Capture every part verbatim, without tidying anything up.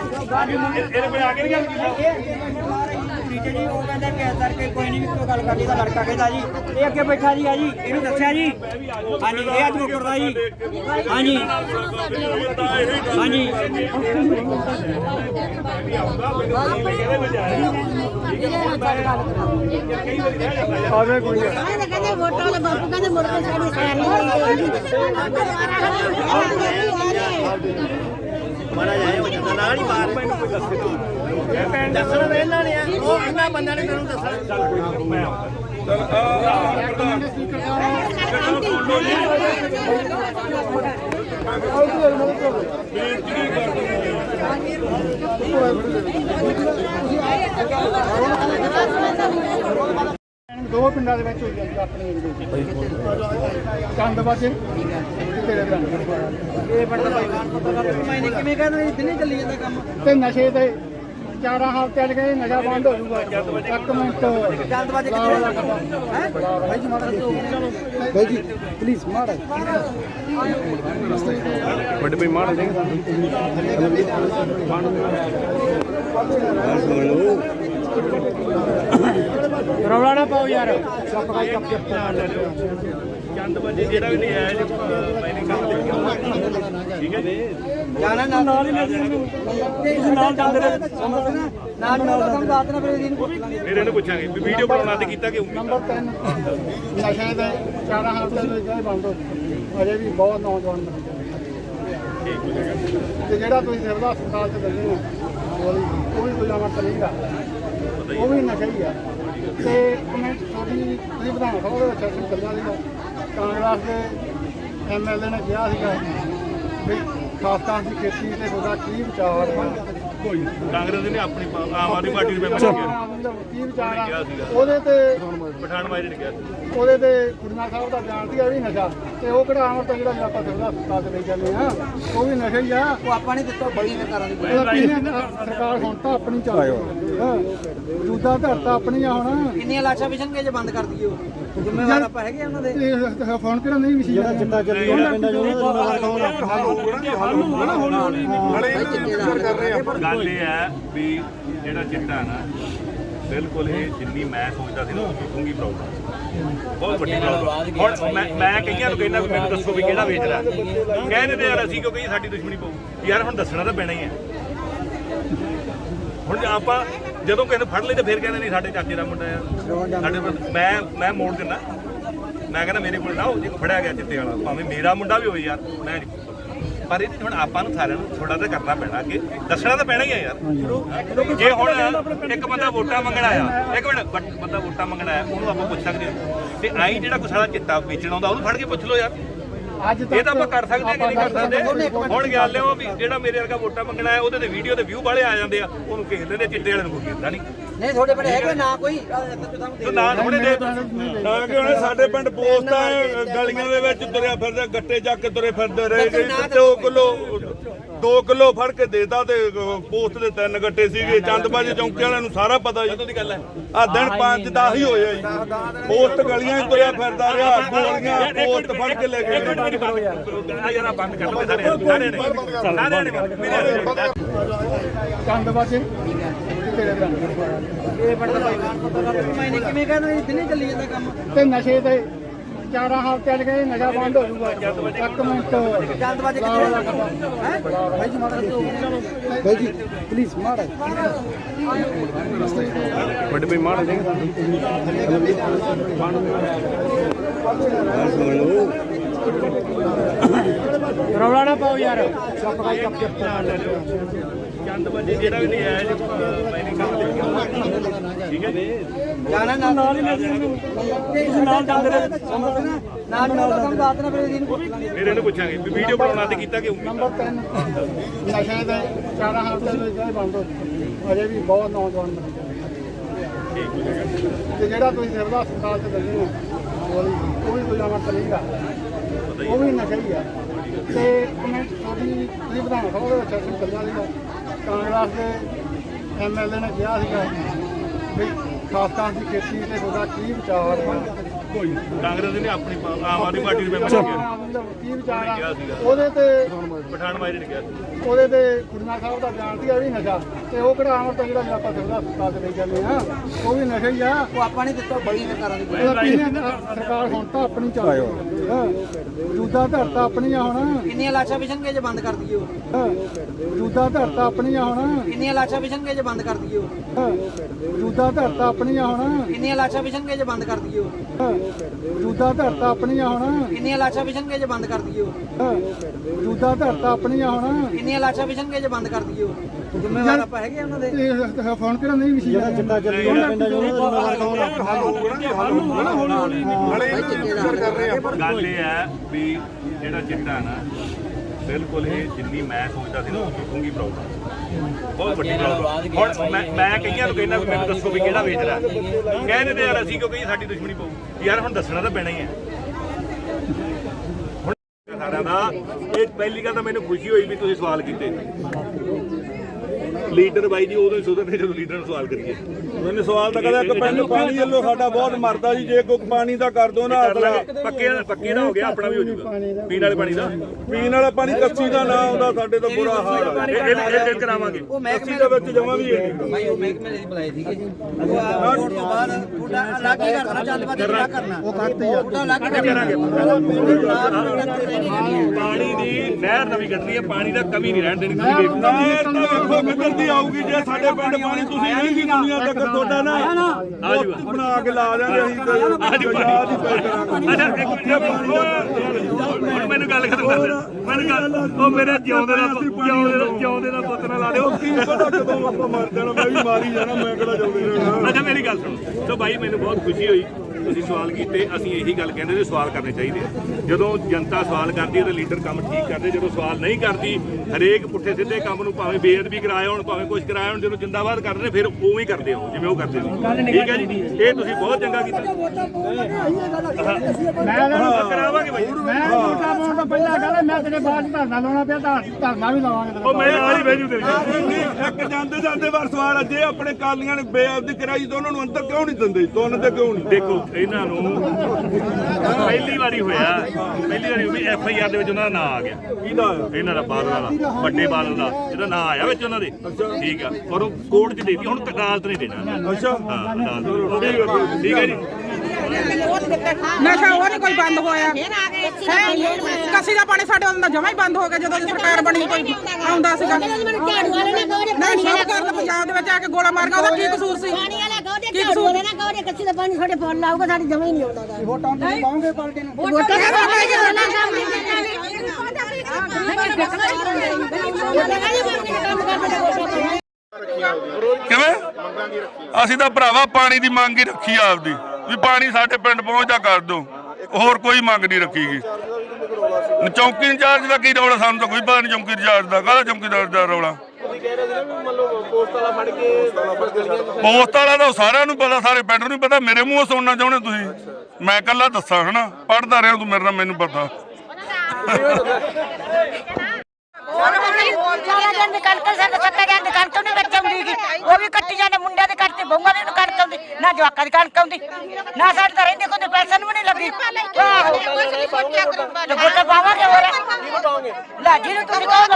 ਇਹਦੇ ਕੋਲ ਆ ਕੇ ਨਹੀਂ ਗੱਲ ਕੀਤੀ ਜੀ ਉਹ ਕਹਿੰਦਾ ਕਿ ਸਰ ਕਿ ਕੋਈ ਨਹੀਂ ਕੋਈ ਗੱਲ ਕਰਨੀ ਦਾ ਲੜਕਾ ਕਹਿੰਦਾ ਜੀ ਇਹ ਅੱਗੇ ਬੈਠਾ ਜੀ ਆ ਜੀ ਇਹਨੂੰ ਦੱਸਿਆ ਜੀ ਹਾਂਜੀ ਇਹ ਅੱਜ ਮੁਕਰਦਾ ਜੀ ਹਾਂਜੀ ਹਾਂਜੀ ਆਵੇ ਕੋਈ ਕਹਿੰਦੇ ਵੋਟਾਂ ਵਾਲੇ ਬਾਪੂ ਕਹਿੰਦੇ ਮੁੜ ਕੇ ਸਾਡੀ ਸਾਰ ਨਹੀਂ ਮਾੜਾ ਜਾਏ ਉਹ ਜੰਦਾ ਨਾਲ ਹੀ ਮਾਰ ਦੱਸਣਾ ਤਾਂ ਇਹਨਾਂ ਨੇ ਆ ਉਹ ਇਹਨਾਂ ਬੰਦਿਆਂ ਨੇ ਮੈਨੂੰ ਦੱਸਣਾ ਚੱਲ ਕੋਈ ਮੈਂ ਚੱਲ ਦੋ ਪਿੰਡਾਂ ਦੇ ਵਿੱਚ ਹੋਈ ਜਾਂਦੀ ਆਪਣੇ ਚੰਦਬਾਜੇ ਤੇਰੇ ਪਿੰਡ ਇਹ ਪਿੰਡ ਦਾ ਭਾਈਵਾਨ ਪੱਤਰਕਾਰ ਮੈਂ ਨਹੀਂ ਕਿਵੇਂ ਕਹਿੰਦਾ ਇਹ ਦਿਨੇ ਚੱਲੀ ਜਾਂਦਾ ਕੰਮ ਤੇ ਨਸ਼ੇ ਤੇ ਚਾਰਾਂ ਹਫ਼ਤਿਆਂ ਚ ਗਏ ਨਸ਼ਾ ਬੰਦ ਹੋ ਜੂਗਾ ਇੱਕ ਮਿੰਟ ਜਲਦਬਾਜ਼ੀ ਕਿੱਥੇ ਹੈ ਭਾਈ ਜੀ ਮਾੜਾ ਚਲੋ ਭਾਈ ਜੀ ਪਲੀਜ਼ ਮਾੜਾ ਵੱਡੇ ਭਾਈ ਮਾਰ ਦੇ ਰੌਲਾ ਨਾ ਪਾਓ ਯਾਰ ਚੰਦ ਵਜੇ ਜਿਹੜਾ ਵੀ ਨਹੀਂ ਆਇਆ ਜੀ ਮੈਂ ਨਹੀਂ ਕੰਮ ਠੀਕ ਹੈ ਜੀ ਜਾਣਾ ਨਾਲ ਹੀ ਨਾਲ ਜਾਂਦੇ ਰਹੇ ਨਾਲ ਨਾਲ ਕੰਮ ਦੱਸ ਦੇਣਾ ਫਿਰ ਇਹਨੂੰ ਪੁੱਛ ਲਾਂਗੇ ਫਿਰ ਇਹਨੂੰ ਪੁੱਛਾਂਗੇ ਵੀ ਵੀਡੀਓ ਬਣਾਉਣਾ ਤੇ ਕੀਤਾ ਕਿ ਨੰਬਰ ਤਿੰਨ ਨਸ਼ੇ ਦੇ ਚਾਰਾਂ ਹਫ਼ਤਿਆਂ ਦੇ ਵਿੱਚ ਬੰਦ ਹੋ ਜੂ ਅਜੇ ਵੀ ਬਹੁਤ ਨੌਜਵਾਨ ਤੇ ਜਿਹੜਾ ਤੁਸੀਂ ਸਿਵਲ ਹਸਪਤਾਲ ਚ ਦਿੰਦੇ ਹੋ ਉਹ ਵੀ ਕੋਈ ਅਮਰ ਤਰੀਕਾ ਉਹ ਵੀ ਨਸ਼ਾ ਹੀ ਆ ਤੇ ਮੈਂ ਤੁਹਾਡੀ ਤੁਸੀਂ ਵਿਧਾਨ ਸਭਾ ਦੇ ਵਿੱਚ ਅਸੀਂ ਚੱਲਿਆ ਸੀਗਾ ਕਾਂਗਰਸ ਦੇ ਐਮ ਐਲ ਏ ਨੇ ਕਿਹਾ ਸੀਗਾ ਵੀ ਖਾਸਤਾਂ ਦੀ ਖੇਤੀ ਤੇ ਉਹਦਾ ਕੀ ਵਿਚਾਰ ਹੈ ਕੋਈ ਕਾਂਗਰਸ ਨੇ ਆਪਣੀ ਆਮ ਆਦਮੀ ਪਾਰਟੀ ਦੇ ਮੈਂਬਰ ਨੇ ਕੀ ਵਿਚਾਰ ਆ ਉਹਦੇ ਤੇ ਪਠਾਨ ਮਾਜਰੇ ਨੇ ਕਿਹਾ ਉਹਦੇ ਤੇ ਕੁੜੀਆਂ ਸਾਹਿਬ ਦਾ ਬਿਆਨ ਸੀਗਾ ਵੀ ਨਸ਼ਾ ਤੇ ਉਹ ਕਿਹੜਾ ਅਮਰ ਤਾਂ ਜਿਹੜਾ ਆਪਾਂ ਸਿਵਲ ਹਸਪਤਾਲ ਦੇ ਲਈ ਜਾਂਦੇ ਆ ਉਹ ਵੀ ਨਸ਼ਾ ਹੀ ਆ ਉਹ ਆਪਾਂ ਨੇ ਦਿੱਤਾ ਬੜੀ ਸਰਕਾਰਾਂ ਦੀ ਸਰਕਾਰ ਹੁਣ ਤਾਂ ਆਪਣੀ ਚੱਲ ਰਹੀ ਹੈ ਮੌਜੂਦਾ ਧਰ ਤਾਂ ਆਪਣੀ ਆ ਹੁਣ ਕਿੰਨੀਆਂ ਲਾਸ਼ਾਂ ਵਿਛਣਗੇ ਜੇ ਬੰਦ ਕਰ ਦਈਏ ਉਹ ਜ਼ਿੰਮੇਵਾਰ ਆਪਾਂ ਹੈਗੇ ਉਹਨਾਂ ਦੇ ਤੇ ਫੋਨ ਕਿਹੜਾ ਨਹੀਂ ਵਿਸ਼ੀ ਜਿਹੜਾ ਚਿੱਟਾ ਚੱਲੀ ਜਾਂਦਾ ਪਿੰਡਾਂ ਗੱਲ ਇਹ ਹੈ ਵੀ ਜਿਹੜਾ ਚਿੱਟਾ ਨਾ ਬਿਲਕੁਲ ਇਹ ਜਿੰਨੀ ਮੈਂ ਸੋਚਦਾ ਸੀ ਨਾ ਉਹ ਡੂੰਗੀ ਪ੍ਰੋਬਲਮ ਬਹੁਤ ਵੱਡੀ ਪ੍ਰੋਬਲਮ ਹੁਣ ਮੈਂ ਮੈਂ ਕਈਆਂ ਨੂੰ ਕਹਿੰਦਾ ਵੀ ਮੈਨੂੰ ਦੱਸੋ ਵੀ ਕਿਹੜਾ ਵੇਚਦਾ ਕਹਿੰਦੇ ਤੇ ਯਾਰ ਅਸੀਂ ਕਿਉਂ ਕਹੀਏ ਸਾਡੀ ਦੁਸ਼ਮਣੀ ਪਊ ਯਾਰ ਹੁਣ ਦੱਸਣਾ ਤਾਂ ਪੈਣਾ ਹੀ ਹੈ ਹੁਣ ਆਪਾਂ ਜਦੋਂ ਕਿਸੇ ਨੂੰ ਫੜ ਲਈ ਤੇ ਫਿਰ ਕਹਿੰਦੇ ਨਹੀਂ ਸਾਡੇ ਚਾਚੇ ਦਾ ਮੁੰਡਾ ਆ ਸਾਡੇ ਮੈਂ ਮੈਂ ਮੋੜ ਦਿੰਦਾ ਮੈਂ ਕਹਿੰਦਾ ਮੇਰੇ ਕੋਲ ਨਾ ਉਹ ਜੇ ਫੜਿਆ ਗਿਆ ਚਿੱਟੇ ਵਾਲਾ ਭਾਵੇਂ ਮੇਰਾ ਮੁੰਡਾ ਵੀ ਹੋਵੇ ਯਾਰ ਮੈਂ ਪਰ ਇਹ ਹੁਣ ਆਪਾਂ ਨੂੰ ਸਾਰਿਆਂ ਨੂੰ ਥੋੜਾ ਜਿਹਾ ਕਰਨਾ ਪੈਣਾ ਕਿ ਦੱਸਣਾ ਤਾਂ ਪੈਣਾ ਹੀ ਆ ਯਾਰ ਜੇ ਹੁਣ ਇੱਕ ਬੰਦਾ ਵੋਟਾਂ ਮੰਗਣ ਆਇਆ ਇੱਕ ਮਿੰਟ ਬੰਦਾ ਵੋਟਾਂ ਮੰਗਣ ਆਇਆ ਉਹਨੂੰ ਆਪਾਂ ਪੁੱਛ ਸਕਦੇ ਹਾਂ ਤੇ ਆਈ ਜਿਹੜਾ ਕੋਈ ਸਾਰਾ ਚਿੱਟਾ ਵੇਚਣ ਆਉਂਦਾ ਉਹਨੂੰ ਫੜ ਕੇ ਪੁੱਛ ਲਓ ਯਾਰ ਅੱਜ ਇਹ ਤਾਂ ਆਪਾਂ ਕਰ ਸਕਦੇ ਕਿ ਨਹੀਂ ਕਰ ਸਕਦੇ ਹੁਣ ਗੱਲ ਇਹ ਵੀ ਜਿਹੜਾ ਮੇਰੇ ਵਰਗਾ ਵੋਟਾਂ ਮੰਗਣਾ ਹੈ ਉਹਦੇ ਤੇ ਵੀਡੀਓ ਤੇ ਵਿਊ ਵਾਲੇ ਆ ਜਾਂਦੇ ਆ ਉਹਨੂੰ ਕਿਸੇ ਦੇ ਚਿੱਟੇ ਵਾਲੇ ਨੂੰ ਕੋਈ ਕਹਿੰਦਾ ਨਹੀਂ ਨਹੀਂ ਤੁਹਾਡੇ ਪਿੰਡ ਹੈਗੇ ਨਾ ਕੋਈ ਨਾ ਹੁਣੇ ਦੇ ਤਾਂ ਕਿ ਉਹਨੇ ਸਾਡੇ ਪਿੰਡ ਪੋਸਟਾਂ ਗਲੀਆਂ ਦੇ ਵਿੱਚ ਤੁਰਿਆ ਫਿਰਦਾ ਗੱਟੇ ਚੱਕ ਕੇ ਤੁਰੇ ਫਿਰਦੇ ਰਹੇ ਦੋ ਕਿਲੋ ਦੋ ਕਿਲੋ ਫੜ ਕੇ ਦੇਦਾ ਤੇ ਪੋਸਟ ਦੇ ਤਿੰਨ ਗੱਟੇ ਸੀਗੇ ਚੰਦਬਾਜੀ ਚੌਂਕੇ ਵਾਲਿਆਂ ਨੂੰ ਸਾਰਾ ਪਤਾ ਜੀ ਦੀ ਗੱਲ ਹੈ ਆ ਦਿਨ ਪੰਜ ਦਸ ਹੀ ਹੋਇਆ ਜੀ ਪੋਸਟ ਗਲੀਆਂ 'ਚ ਤੁਰਿਆ ਫਿਰਦਾ ਰਿਹਾ ਗੋਲੀਆਂ ਪੋਸਟ ਫੜ ਕੇ ਲੈ ਗਏ ਯਾਰ ਬੰਦ ਕਰ ਲਓ ਸਾਰੇ ਸਾਰੇ ਨੇ ਸਾਰੇ ਨੇ ਮੇਰੇ ਚੰਦਬਾਜੇ ਤੇਰੇ ਪਿੰਡ ਇਹ ਪਿੰਡ ਦਾ ਭਾਈਵਾਨ ਪੱਤਰਕਾਰ ਮੈਂ ਨਹੀਂ ਕਿਵੇਂ ਕਹਿੰਦਾ ਇਹ ਦਿਨੇ ਚੱਲੀ ਜਾਂਦਾ ਕੰਮ ਤੇ ਨਸ਼ੇ ਤੇ ਚਾਰਾਂ ਹਫ਼ਤਿਆਂ ਚ ਗਏ ਨਸ਼ਾ ਬੰਦ ਹੋ ਜੂਗਾ ਇੱਕ ਮਿੰਟ ਜਲਦਬਾਜ਼ੀ ਕਿੱਥੇ ਹੈ ਭਾਈ ਜੀ ਮਾੜਾ ਚਲੋ ਭਾਈ ਜੀ ਪਲੀਜ਼ ਮਾੜਾ ਵੱਡੇ ਭਾਈ ਮਾਰ ਦੇ ਰੌਲਾ ਨਾ ਪਾਓ ਯਾਰ ਚੰਦ ਵਜੇ ਜਿਹੜਾ ਵੀ ਨਹੀਂ ਆਇਆ ਜੀ ਮੈਂ ਨਹੀਂ ਕੰਮ ਠੀਕ ਹੈ ਜੀ ਜਾਣਾ ਨਾਲ ਹੀ ਨਾਲ ਜਾਂਦੇ ਰਹੇ ਨਾਲ ਨਾਲ ਕੰਮ ਦੱਸ ਦੇਣਾ ਫਿਰ ਇਹਨੂੰ ਪੁੱਛ ਲਾਂਗੇ ਫਿਰ ਇਹਨੂੰ ਪੁੱਛਾਂਗੇ ਵੀ ਵੀਡੀਓ ਬਣਾਉਣਾ ਤੇ ਕੀਤਾ ਕਿ ਨੰਬਰ ਤਿੰਨ ਨਸ਼ੇ ਦੇ ਚਾਰਾਂ ਹਫ਼ਤਿਆਂ ਦੇ ਵਿੱਚ ਬੰਦ ਹੋ ਜੂ ਅਜੇ ਵੀ ਬਹੁਤ ਨੌਜਵਾਨ ਤੇ ਜਿਹੜਾ ਤੁਸੀਂ ਸਿਵਲ ਹਸਪਤਾਲ ਚ ਦਿੰਦੇ ਹੋ ਉਹ ਵੀ ਕੋਈ ਅਮਰ ਤਰੀਕਾ ਉਹ ਵੀ ਨਸ਼ਾ ਹੀ ਆ ਤੇ ਮੈਂ ਤੁਹਾਡੀ ਤੁਸੀਂ ਵਿਧਾਨ ਸਭਾ ਦੇ ਵਿੱਚ ਅਸੀਂ ਚੱਲਿਆ ਸੀਗਾ ਕਾਂਗਰਸ ਦੇ ਐਮ ਐਲ ਏ ਨੇ ਕਿਹਾ ਸੀਗਾ ਵੀ ਖਾਸਤਾਂ ਦੀ ਖੇਤੀ ਤੇ ਉਹਦਾ ਕੀ ਵਿਚਾਰ ਹੈ ਕੋਈ ਕਾਂਗਰਸ ਨੇ ਆਪਣੀ ਆਮ ਆਦਮੀ ਪਾਰਟੀ ਦੇ ਮੈਂਬਰ ਕਿਹਾ ਕੀ ਵਿਚਾਰ ਆ ਕਿਹਾ ਸੀਗਾ। ਉਹਦੇ ਤੇ ਪਠਾਨ ਮਾਜਰੇ ਨੇ ਕਿਹਾ ਉਹਦੇ ਤੇ ਕੁੜੀਆਂ ਸਾਹਿਬ ਦਾ ਬਿਆਨ ਸੀ ਇਹ ਵੀ ਨਸ਼ਾ ਤੇ ਉਹ ਕਿਹੜਾ ਆਮਰ ਤਾਂ ਜਿਹੜਾ ਆਪਾਂ ਸਿਵਲ ਹਸਪਤਾਲ ਤੇ ਲੈ ਜਾਂਦੇ ਆ ਉਹ ਵੀ ਨਸ਼ਾ ਹੀ ਆ ਉਹ ਆਪਾਂ ਨੇ ਦਿੱਤਾ ਬੜੀ ਸਰਕਾਰਾਂ ਦੀ ਇਹਦਾ ਕੀ ਨੇ ਸਰਕਾਰ ਹੁਣ ਤਾਂ ਆਪਣੀ ਚੱਲ ਰਹੀ ਆ ਜੂਦਾ ਧਰਤਾ ਆਪਣੀਆਂ ਹੁਣ ਕਿੰਨੀਆਂ ਲਾਸ਼ਾਂ ਵਿਛਣਗੇ ਜੇ ਬੰਦ ਕਰ ਦਈਏ ਉਹ ਜੂਦਾ ਧਰਤਾ ਆਪਣੀਆਂ ਹੁਣ ਕਿੰਨੀਆਂ ਲਾਸ਼ਾਂ ਵਿਛਣਗੇ ਜੇ ਬੰਦ ਕਰ ਦਈਏ ਉਹ ਜੂਦਾ ਧਰਤਾ ਆਪਣੀਆਂ ਹੁਣ ਕਿੰਨੀਆਂ ਲਾਸ਼ਾਂ ਵਿਛਣਗੇ ਜੇ ਬੰਦ ਕਰ ਦਈਏ ਉਹ ਜੂਦਾ ਧਰਤਾ ਆਪਣੀਆਂ ਹੁਣ ਕਿੰਨੀਆਂ ਲਾਸ਼ਾਂ ਵਿਛਣਗੇ ਜੇ ਬੰਦ ਕਰ ਦਈਏ ਉਹ ਜੂਦਾ ਧਰਤਾ ਆਪਣੀਆਂ ਹੁਣ ਕਿੰਨੀਆਂ ਲਾਸ਼ਾਂ ਵਿਛਣਗੇ ਜੇ ਬੰਦ ਕਰ ਦਈਏ ਉਹ ਜ਼ਿੰਮੇਵਾਰ ਆਪਾਂ ਹੈਗੇ ਉਹਨਾਂ ਦੇ ਇਹ ਫੋਨ ਕਿਹੜਾ ਨਹੀਂ ਵਿਛੀ ਜਿਹੜਾ ਚਿੱਟਾ ਚੱਲੀ ਜਾਂਦਾ ਗੱਲ ਇਹ ਹੈ ਵੀ ਜਿਹੜਾ ਚਿੱਟਾ ਨਾ ਬਿਲਕੁਲ ਇਹ ਜਿੰਨੀ ਮੈਂ ਸੋਚਦਾ ਸੀ ਨਾ ਉਹ ਚੁੱਕੂਗੀ ਪ੍ਰੋਬਲਮ ਬਹੁਤ ਵੱਡੀ ਪ੍ਰੋਬਲਮ ਹੁਣ ਮੈਂ ਮੈਂ ਕਈਆਂ ਨੂੰ ਕਹਿੰਦਾ ਵੀ ਮੈਨੂੰ ਦੱਸੋ ਵੀ ਕਿਹੜਾ ਵੇਚ ਰਿਹਾ ਕਹਿੰਦੇ ਨੇ ਯਾਰ ਅਸੀਂ ਕਿਉਂਕਿ ਸਾਡੀ ਦੁਸ਼ਮਣੀ ਪਊ ਯਾਰ ਹੁਣ ਦੱਸਣਾ ਤਾਂ ਪੈਣਾ ਹੀ ਹੈ ਹੁਣ ਸਾਰਿਆਂ ਦਾ ਇਹ ਪਹਿਲੀ ਗੱਲ ਤਾਂ ਮੈਨੂੰ ਖੁਸ਼ੀ ਹੋਈ ਵੀ ਤੁਸੀਂ ਸਵਾਲ ਕੀਤੇ ਲੀਡਰ ਬਾਈ ਜੀ ਉਦੋਂ ਹੀ ਸੁਧਰਨੇ ਜਦੋਂ ਲੀਡਰ ਨੂੰ ਸਵਾਲ ਕਰੀਏ ਮੈਨੂੰ ਸਵਾਲ ਤਾਂ ਕਰਿਆ ਕਿ ਪਿੰਡ ਪਾਣੀ ਵੱਲੋਂ ਸਾਡਾ ਬਹੁਤ ਮਰਦਾ ਜੀ ਜੇ ਕੋਈ ਪਾਣੀ ਦਾ ਕਰ ਦੋ ਨਾ ਅਗਲਾ ਪੱਕੇ ਪੱਕੇ ਦਾ ਹੋ ਗਿਆ ਆਪਣਾ ਵੀ ਹੋ ਜਾਊਗਾ ਪੀਣ ਵਾਲੇ ਪਾਣੀ ਦਾ ਪੀਣ ਵਾਲਾ ਪਾਣੀ ਕੱਚੀ ਦਾ ਨਾ ਆਉਂਦਾ ਸਾਡੇ ਤੋਂ ਬੁਰਾ ਹਾਲ ਹੈ ਇਹ ਇਹ ਇਹ ਕਰਾਵਾਂਗੇ ਉਹ ਕੱਚੀ ਦੇ ਵਿੱਚ ਜਮਾ ਵੀ ਹੈ ਨਹੀਂ ਭਾਈ ਉਹ ਮਹਿਕਮੇ ਦੇ ਬੁਲਾਏ ਸੀਗੇ ਜੀ ਉਹ ਵੋਟ ਤੋਂ ਬਾਅਦ ਤੁਹਾਡਾ ਅਲੱਗ ਹੀ ਕਰਨਾ ਚੱਲ ਬਾਅਦ ਕੀ ਕਰਨਾ ਉਹ ਕਰਤੇ ਆ ਤੁਹਾਡਾ ਅਲੱਗ ਕਰਾਂਗੇ ਪਾਣੀ ਦੀ ਨਹਿਰ ਨਵੀਂ ਕੱਢਣੀ ਹੈ ਪਾਣੀ ਦਾ ਕਮੀ ਨਹੀਂ ਰਹਿਣ ਦੇਣੀ ਤੁਸੀਂ ਦੇਖੋ ਨਹਿਰ ਤਾਂ ਵੇਖੋ ਕਿੱਧਰ ਦੀ ਆਊਗੀ ਜੇ ਸਾਡੇ ਪਿੰਡ ਪਾਣੀ ਤੁਸੀਂ ਨਹੀਂ ਸੀ ਦੁਨੀਆ ਤੱਕ ਤੁਹਾਡਾ ਨਾ ਆਜੂ ਬਣਾ ਕੇ ਲਾ ਜਾਂਦੇ ਅਸੀਂ ਆਜੂ ਯਾਦ ਹੀ ਪੈ ਕਰਾਂਗੇ ਅੱਛਾ ਇੱਕ ਮਿੰਟ ਹੁਣ ਮੈਨੂੰ ਗੱਲ ਖਤਮ ਕਰ ਦੇ ਮੈਨੂੰ ਗੱਲ ਉਹ ਮੇਰੇ ਜਿਉਂਦੇ ਦਾ ਜਿਉਂਦੇ ਦਾ ਜਿਉਂਦੇ ਦਾ ਪੁੱਤ ਨਾ ਲਾ ਦਿਓ ਕੀ ਪਤਾ ਕਦੋਂ ਆਪਾਂ ਮਰ ਜਾਣਾ ਮੈਂ ਵੀ ਮਾਰੀ ਜਾਣਾ ਮੈਂ ਕਿਹੜਾ ਜਾਉਂਦੇ ਰਹਿਣਾ ਅੱਛਾ ਮੇਰੀ ਗੱਲ ਸੁਣੋ ਸੋ ਭਾਈ ਮੈਨੂੰ ਬਹੁਤ ਖੁਸ਼ੀ ਹੋਈ ਤੁਸੀਂ ਸਵਾਲ ਕੀਤੇ ਅਸੀਂ ਇਹੀ ਗੱਲ ਕਹਿੰਦੇ ਨੇ ਸਵਾਲ ਕਰਨੇ ਚਾਹੀਦੇ ਆ ਜਦੋਂ ਜਨਤਾ ਸਵਾਲ ਕਰਦੀ ਹੈ ਤਾਂ ਲੀਡਰ ਕੰਮ ਠੀਕ ਕਰਦੇ ਜਦੋਂ ਸਵਾਲ ਨਹੀਂ ਕਰਦੀ ਹਰੇਕ ਪੁੱਠੇ ਸਿੱਧੇ ਕੰਮ ਨੂੰ ਭਾਵੇਂ ਬੇਅਦਬੀ ਕਰਾਏ ਹੋਣ ਭਾਵੇਂ ਕੁਝ ਕਰਾਏ ਹੋਣ ਜਦੋਂ ਜਿੰਦਾਬਾਦ ਕਰਦੇ ਨੇ ਫਿਰ ਉਵੇਂ ਹੀ ਕਰਦੇ ਹੋ ਜਿਵੇਂ ਉਹ ਕਰਦੇ ਸੀ ਠੀਕ ਹੈ ਜੀ ਇਹ ਤੁਸੀਂ ਬਹੁਤ ਚੰਗਾ ਕੀਤਾ ਮੈਂ ਕਰਾਵਾਂਗੇ ਬਾਈ ਮੈਂ ਵੋਟਾਂ ਪਾਉਣ ਤੋਂ ਪਹਿਲਾਂ ਕਹਿੰਦਾ ਮੈਂ ਤੇਰੇ ਬਾਅਦ ਧਰਨਾ ਲਾਉਣਾ ਪਿਆ ਤਾਂ ਧਰਨਾ ਵੀ ਲਾਵਾਂਗੇ ਉਹ ਮੈਂ ਨਾਲ ਹੀ ਬਹਿ ਜੂ ਤੇਰੇ ਨਾਲ। ਇੱਕ ਜਾਂਦੇ ਜਾਂਦੇ ਵਾਰ ਸਵਾਲ ਜੇ ਆਪਣੇ ਕਾਲੀਆਂ ਨੇ ਬੇਅਦਬੀ ਕਰਾਈ ਤਾਂ ਉਹਨਾਂ ਨੂੰ ਅੰਦਰ ਕਿਉਂ ਨਹੀਂ ਦਿੰਦੇ ਤੁਹਾਨੂੰ ਤੇ ਕਿਉਂ ਨਹੀਂ ਦੇਖੋ ਇਹਨਾਂ ਨੂੰ ਪਹਿਲੀ ਵਾਰੀ ਹੋਇਆ ਪਹਿਲੀ ਵਾਰੀ ਵੀ ਐਫ ਆਈ ਆਰ ਦੇ ਵਿੱਚ ਉਹਨਾਂ ਦਾ ਨਾਂ ਆ ਗਿਆ ਕਿਹਦਾ ਇਹਨਾਂ ਦਾ ਬਾਦਲ ਦਾ ਵੱਡੇ ਬਾਦਲ ਦਾ ਇਹਦਾ ਨਾਂ ਆਇਆ ਵਿੱਚ ਉਹਨਾਂ ਦੇ ਠੀਕ ਆ ਪਰ ਉਹ ਕੋਰਟ 'ਚ ਦੇਤੀ ਹੁਣ ਅਦਾਲਤ ਨਹੀਂ ਦੇਣਾ ਅੱਛਾ ਹਾਂ ਅਦਾਲਤ ਠੀਕ ਹੈ ਜੀ ਨਸ਼ਾ ਉਹ ਨਹੀਂ ਕੋਈ ਬੰਦ ਹੋਇਆ ਕੱਸੀ ਦਾ ਪਾਣੀ ਸਾਡੇ ਉਹਨਾਂ ਦਾ ਜਮਾ ਹੀ ਬੰਦ ਹੋ ਗਿਆ ਜਦੋਂ ਦੀ ਸਰਕਾਰ ਬਣੀ ਕੋਈ ਆਉਂਦਾ ਸੀਗਾ ਨਹੀਂ ਸਭ ਘਰ ਪੰਜਾਬ ਦੇ ਵਿੱਚ ਆ ਕੇ ਗੋਲਾ ਮਾਰ ਗਿਆ ਉਹਦਾ ਕੀ ਕਸੂਰ ਸੀ ਕੀ ਕਸੂਰ ਹੈ ਨਾ ਕਹੋ ਕੱਚੀ ਦਾ ਪਾਣੀ ਸਾਡੇ ਫੋਨ ਲਾਊਗਾ ਸਾਡੀ ਜਮਾ ਹੀ ਨਹੀਂ ਆਉਂਦਾ ਵੋਟਾਂ ਤੁਸੀਂ ਪਾਉਂਗੇ ਪਾਰਟੀ ਨੂੰ ਵੋਟਾਂ ਕਿਵੇਂ ਅਸੀਂ ਤਾਂ ਭਰਾਵਾ ਪਾਣੀ ਦੀ ਮੰਗ ਹੀ ਰੱਖੀ ਆਪਦੀ ਵੀ ਪਾਣੀ ਸਾਡੇ ਪਿੰਡ ਪਹੁੰਚਦਾ ਕਰ ਦੋ ਹੋਰ ਕੋਈ ਮੰਗ ਨਹੀਂ ਰੱਖੀਗੀ ਚੌਂਕੀ ਇੰਚਾਰਜ ਦਾ ਕੀ ਰੌਲਾ ਸਾਨੂੰ ਤਾਂ ਕੋਈ ਪਤਾ ਨਹੀਂ ਚੌਂਕੀ ਇੰਚਾਰਜ ਦਾ ਕਾਹਦਾ ਚੌਂਕੀਦਾਰ ਦਾ ਰੌਲਾ ਪੋਸਟ ਵਾਲਾ ਤਾਂ ਸਾਰਿਆਂ ਨੂੰ ਪਤਾ ਸਾਰੇ ਪਿੰਡ ਨੂੰ ਪਤਾ ਮੇਰੇ ਮੂੰਹੋਂ ਸੁਣਨਾ ਚਾਹੁੰਦੇ ਤੁਸੀਂ ਮੈਂ ਕੱਲਾ ਦੱਸਾਂ ਹਨਾ ਪੜਦਾ ਰਿਹਾ ਤੂੰ ਮੇਰੇ ਨਾਲ ਮੈਨੂੰ ਪਤਾ ਉਹ ਵੀ ਕੱਟੀ ਜਾਂਦੇ ਮੁੰਡਿਆਂ ਦੇ ਕੱਟਦੇ ਬਹੂਆਂ ਦੇ ਕਣਕ ਆਉਂਦੀ ਨਾ ਜਵਾਕਾਂ ਦੀ ਕਣਕ ਆਉਂਦੀ ਨਾ ਸਾਡੇ ਤਾਂ ਰਹਿੰਦੇ ਕੋਈ ਪੈਸਾ ਵੀ ਨਹੀਂ ਲੱਗੀ ਵੋਟਾਂ ਪਾਵਾਂਗੇ ਹੋਰ ਲਾਜੀ ਨੂੰ ਤੁਸੀਂ ਕਹੋ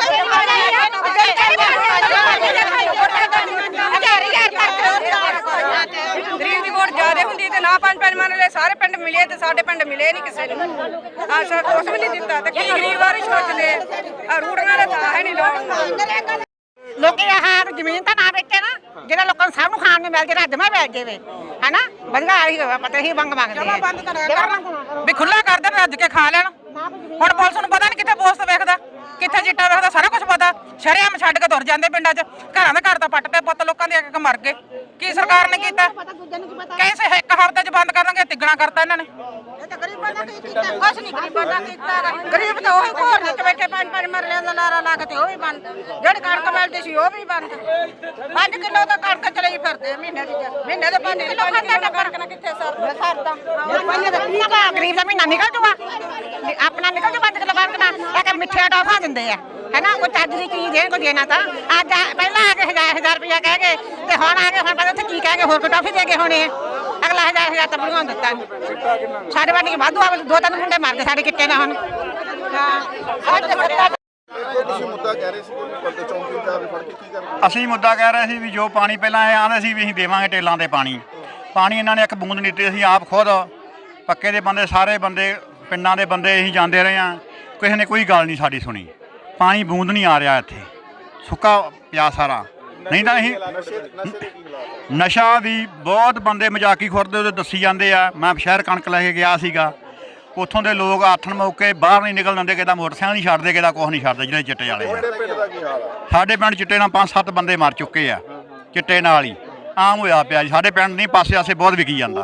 ਗਰੀਬ ਦੀ ਵੋਟ ਜ਼ਿਆਦਾ ਹੁੰਦੀ ਤੇ ਨਾ ਪੰਜ ਪੰਜ ਮੰਨ ਲੈ ਸਾਰੇ ਪਿੰਡ ਮਿਲੇ ਤੇ ਸਾਡੇ ਪਿੰਡ ਮਿਲੇ ਨਹੀਂ ਕਿਸੇ ਨੂੰ ਆਸ਼ਾ ਕੁਛ ਵੀ ਨਹੀਂ ਦਿੱਤਾ ਤੇ ਕੀ ਗਰੀਬ ਬਾਰੇ ਸੋਚਦੇ ਆ ਰੂੜੀਆਂ ਦਾ ਤਾਂ ਹੈ ਨਹੀਂ ਲੋਕ ਲੋਕੀ ਆਹ ਜ਼ਮੀਨ ਤਾਂ ਨਾ ਵੇਚੇ ਨਾ ਜਿਹੜਾ ਲੋਕਾਂ ਨੂੰ ਸਭ ਨੂੰ ਖਾਣ ਨੂੰ ਮਿਲ ਜੇ ਰੱਜ ਮੈਂ ਵੇਚ ਦੇਵੇ ਹੈਨਾ ਵਧੀਆ ਆਹੀ ਪਤਾ ਹੀ ਬੰਗ ਮੰਗਦੇ ਜਮਾ ਬੰਦ ਕਰਿਆ ਵੀ ਖੁੱਲਾ ਕਰ ਦੇਣ ਰੱਜ ਕੇ ਖਾ ਲੈਣ ਹੁਣ ਪੁਲਿਸ ਨੂੰ ਪਤਾ ਨਹੀਂ ਕਿੱਥੇ ਪੋਸਟ ਵੇਖਦਾ ਕਿੱਥੇ ਚਿੱਟਾ ਵੇਖਦਾ ਸਾਰਾ ਕੁਝ ਪਤਾ ਸ਼ਰੇਆਮ ਛੱਡ ਕੇ ਤੁਰ ਜਾਂਦੇ ਪਿੰਡਾਂ 'ਚ ਘਰਾਂ ਦੇ ਘਰ ਤਾਂ ਪੱਟ ਤੇ ਪੁੱਤ ਲੋਕਾਂ ਦੇ ਇੱਕ ਮਰ ਗਏ ਕੀ ਸਰਕਾਰ ਨੇ ਕੀਤਾ ਕੈਸੇ ਇੱਕ ਹਫ਼ਤੇ 'ਚ ਬੰਦ ਕਰ ਦਾਂਗੇ ਤਿੱਗਣਾ ਕਰਤਾ ਇਹਨਾਂ ਨੇ ਗਰੀਬਾਂ ਦਾ ਕੀ ਕੀਤਾ ਕੁਛ ਨਹੀਂ ਗਰੀਬਾਂ ਦਾ ਕੀਤਾ ਗਰੀਬ ਤਾਂ ਉਹੀ ਘੋਰ ਵਿੱਚ ਬੈਠੇ ਪੰਜ ਪੰਜ ਮਰਲਿਆਂ ਦਾ ਲਾਰਾ ਲਾ ਕੇ ਤੇ ਉਹ ਵੀ ਬੰਦ ਜਿਹੜੀ ਕਣਕ ਮਿਲਦੀ ਸੀ ਉਹ ਵੀ ਬੰਦ ਪੰਜ ਕਿਲੋ ਤਾਂ ਕਣਕ ਚਲੀ ਫਿਰਦੇ ਮਹੀਨੇ ਦੀ ਮਹੀਨੇ ਦੇ ਪੰਜ ਕਿਲੋ ਖਾਂਦਾ ਟੱਬਰ ਕਿੱਥੇ ਸਰਦਾ ਸਰਦਾ ਗਰੀਬ ਦਾ ਮਹੀਨਾ ਨਿਕਲ ਜੂਗਾ ਆਪਣਾ ਨਿਕਲ ਜੂ ਪੰਜ ਕਿਲੋ ਬੰਦ ਨਾ ਇਹ ਕਿ ਮਿੱਠੀਆਂ ਟੋਫਾ ਦਿੰਦੇ ਆ ਹੈਨਾ ਕੋਈ ਚੱਜ ਦੀ ਚੀਜ਼ ਦੇਣ ਕੋ ਦੇਣਾ ਤਾਂ ਅੱਜ ਪਹਿਲਾਂ ਆ ਕੇ ਹਜ਼ਾਰ ਹਜ਼ਾਰ ਰੁਪਇਆ ਕਹਿ ਗਏ ਤੇ ਹੁਣ ਆ ਕੇ ਹੁਣ ਪਤਾ ਉੱਥੇ ਕੀ ਕਹਿ ਗਏ ਹੋਰ ਕੋਈ ਟੋਫੀ ਦੇ ਗਏ ਹੋਣੇ ਆ ਅਗਲਾ ਹਜ਼ਾਰ ਹਜ਼ਾਰ ਤਾਂ ਬਣਾਉਣ ਦਿੱਤਾ ਨੀ। ਸਾਡੇ ਵਾਲੀ ਵਾਧੂ ਆ ਦੋ ਤਿੰਨ ਮੁੰਡੇ ਮਾਰ ਗਏ ਸਾਡੇ ਕਿੱਟੇ ਨਾਲ ਹੁਣ ਹਾਂ ਅੱਜ ਸਰਕਾਰ ਤੁਸੀਂ ਮੁੱਦਾ ਕਹਿ ਰਹੇ ਸੀ ਕਿ ਪਰਦੇ ਚੌਂਕੀ ਇੰਚਾਰਜ ਫੜ ਕੇ ਕੀ ਕਰਨਾ? ਅਸੀਂ ਮੁੱਦਾ ਕਹਿ ਰਹੇ ਸੀ ਵੀ ਜੋ ਪਾਣੀ ਪਹਿਲਾਂ ਇਹ ਆਂਦੇ ਸੀ ਵੀ ਅਸੀਂ ਦੇਵਾਂਗੇ ਟੇਲਾਂ ਤੇ ਪਾਣੀ ਪਾਣੀ ਇਹਨਾਂ ਨੇ ਇੱਕ ਬੂੰਦ ਨਹੀਂ ਦਿੱਤੀ। ਅਸੀਂ ਆਪ ਖੁਦ ਪੱਕੇ ਦੇ ਬੰਦੇ ਸਾਰੇ ਬੰਦੇ ਪਿੰਡਾਂ ਦੇ ਬੰਦੇ ਅਸੀਂ ਜਾਂਦੇ ਰਹੇ ਹਾਂ, ਕਿਸੇ ਨੇ ਕੋਈ ਗੱਲ ਨਹੀਂ ਸਾਡੀ ਸੁਣੀ। ਪਾਣੀ ਬੂੰਦ ਨਹੀਂ ਆ ਰਿਹਾ ਇੱਥੇ, ਸੁੱਕਾ ਪਿਆ ਸਾਰਾ। ਨਹੀਂ ਤਾਂ ਅਸੀਂ ਨਸ਼ਾ ਵੀ ਬਹੁਤ ਬੰਦੇ ਮਜ਼ਾਕੀ ਖੁਰਦੇ ਉਹਦੇ ਦੱਸੀ ਜਾਂਦੇ ਆ। ਮੈਂ ਸ਼ਹਿਰ ਕਣਕ ਲੈ ਕੇ ਗਿਆ ਸੀਗਾ, ਉੱਥੋਂ ਦੇ ਲੋਕ ਆਥਣ ਮੌਕੇ ਬਾਹਰ ਨਹੀਂ ਨਿਕਲ ਦਿੰਦੇ, ਕਿਦਾ ਮੋਟਰਸਾਈਕਲ ਨਹੀਂ ਛੱਡਦੇ, ਕਿਦਾ ਕੁਛ ਨਹੀਂ ਛੱਡਦੇ ਜਿਹੜੇ ਚਿੱਟੇ ਵਾਲੇ ਆ। ਸਾਡੇ ਪਿੰਡ ਚਿੱਟੇ ਨਾਲ ਪੰਜ ਸੱਤ ਬੰਦੇ ਮਰ ਚੁੱਕੇ ਆ, ਚਿੱਟੇ ਨਾਲ ਹੀ ਆਮ ਹੋਇਆ ਪਿਆ ਜੀ ਸਾਡੇ ਪਿੰਡ। ਨਹੀਂ ਪਾਸੇ ਆਸੇ ਬਹੁਤ ਵਿਕੀ ਜਾਂਦਾ।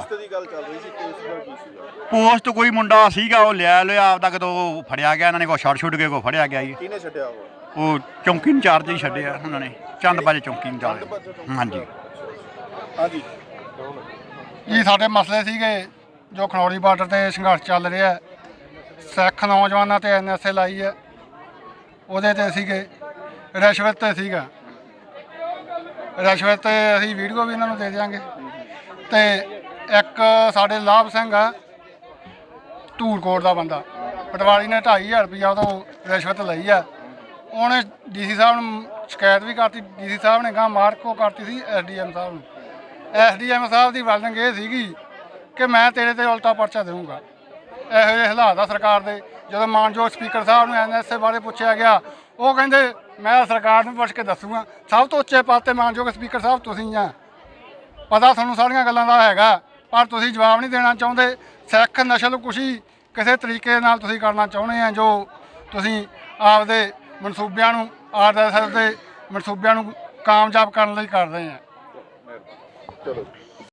ਪੋਸਟ ਕੋਈ ਮੁੰਡਾ ਸੀਗਾ ਉਹ ਲਿਆ ਲਿਆ ਆਪਦਾ, ਕਦੋਂ ਫੜਿਆ ਗਿਆ ਇਹਨਾਂ ਨੇ, ਕੋਈ ਛੱਡ ਛੁੱਟ ਕੇ ਕੋਈ ਫੜਿਆ ਗਿਆ ਜੀ। ਕਿਹਨੇ ਛੱਡਿਆ ਉਹ? ਉਹ ਚੌਂਕੀ ਇੰਚਾਰਜ ਹੀ ਛੱਡਿਆ ਉਹਨਾਂ ਨੇ, ਚੰਦਬਾਜੇ ਚੌਂਕੀ ਇੰਚਾਰਜ। ਹਾਂਜੀ ਹਾਂਜੀ ਜੀ ਸਾਡੇ ਮਸਲੇ ਸੀਗੇ ਜੋ ਖਨੌਰੀ ਬਾਰਡਰ ਤੇ ਸੰਘਰਸ਼ ਚੱਲ ਰਿਹਾ, ਸਿੱਖ ਨੌਜਵਾਨਾਂ ਤੇ ਐਨ ਐਸ ਏ ਲਾਈ ਹੈ, ਉਹਦੇ ਤੇ ਸੀਗੇ ਰਿਸ਼ਵਤ ਤੇ ਸੀਗਾ। ਰਿਸ਼ਵਤ ਤੇ ਅਸੀਂ ਵੀਡੀਓ ਵੀ ਇਹਨਾਂ ਨੂੰ ਦੇ ਦਿਆਂਗੇ। ਤੇ ਇੱਕ ਸਾਡੇ ਲਾਭ ਸਿੰਘ ਆ ਧੂਰਕੋਟ ਦਾ ਬੰਦਾ, ਪਟਵਾਰੀ ਨੇ ਢਾਈ ਹਜ਼ਾਰ ਰੁਪਈਆ ਉਦੋਂ ਰਿਸ਼ਵਤ ਲਈ ਆ। ਉਹਨੇ ਡੀ ਸੀ ਸਾਹਿਬ ਨੂੰ ਸ਼ਿਕਾਇਤ ਵੀ ਕਰਤੀ, ਡੀ ਸੀ ਸਾਹਿਬ ਨੇ ਗਾਂ ਮਾਰਕੋ ਕਰਤੀ ਸੀ ਐਸ ਡੀ ਐਮ ਸਾਹਿਬ ਨੂੰ। ਐਸ ਡੀ ਐਮ ਸਾਹਿਬ ਦੀ ਵਰਡਿੰਗ ਇਹ ਸੀਗੀ ਕਿ ਮੈਂ ਤੇਰੇ ਤੇ ਉਲਟਾ ਪਰਚਾ ਦੇਵਾਂਗਾ। ਇਹੋ ਜਿਹੇ ਹਾਲਾਤ ਆ ਸਰਕਾਰ ਦੇ। ਜਦੋਂ ਮਾਨਯੋਗ ਸਪੀਕਰ ਸਾਹਿਬ ਨੂੰ ਐਨ ਐਸ ਏ ਬਾਰੇ ਪੁੱਛਿਆ ਗਿਆ, ਉਹ ਕਹਿੰਦੇ ਮੈਂ ਸਰਕਾਰ ਨੂੰ ਪੁੱਛ ਕੇ ਦੱਸੂਗਾ। ਸਭ ਤੋਂ ਉੱਚੇ ਪਦ 'ਤੇ ਮਾਨਯੋਗ ਸਪੀਕਰ ਸਾਹਿਬ ਤੁਸੀਂ ਆ, ਪਤਾ ਤੁਹਾਨੂੰ ਸਾਰੀਆਂ ਗੱਲਾਂ ਦਾ ਹੈਗਾ, ਪਰ ਤੁਸੀਂ ਜਵਾਬ ਨਹੀਂ ਦੇਣਾ ਚਾਹੁੰਦੇ। ਸਿੱਖ ਨਸਲਕੁਸ਼ੀ ਕਿਸੇ ਤਰੀਕੇ ਨਾਲ ਤੁਸੀਂ ਕਰਨਾ ਚਾਹੁੰਦੇ ਆ, ਜੋ ਤੁਸੀਂ ਆਪਦੇ ਮਨਸੂਬਿਆਂ ਨੂੰ ਆਰ ਐਸ ਐਸ ਦੇ ਮਨਸੂਬਿਆਂ ਨੂੰ ਕਾਮਯਾਬ ਕਰਨ ਲਈ ਕਰ ਰਹੇ ਆ। ਚਲੋ।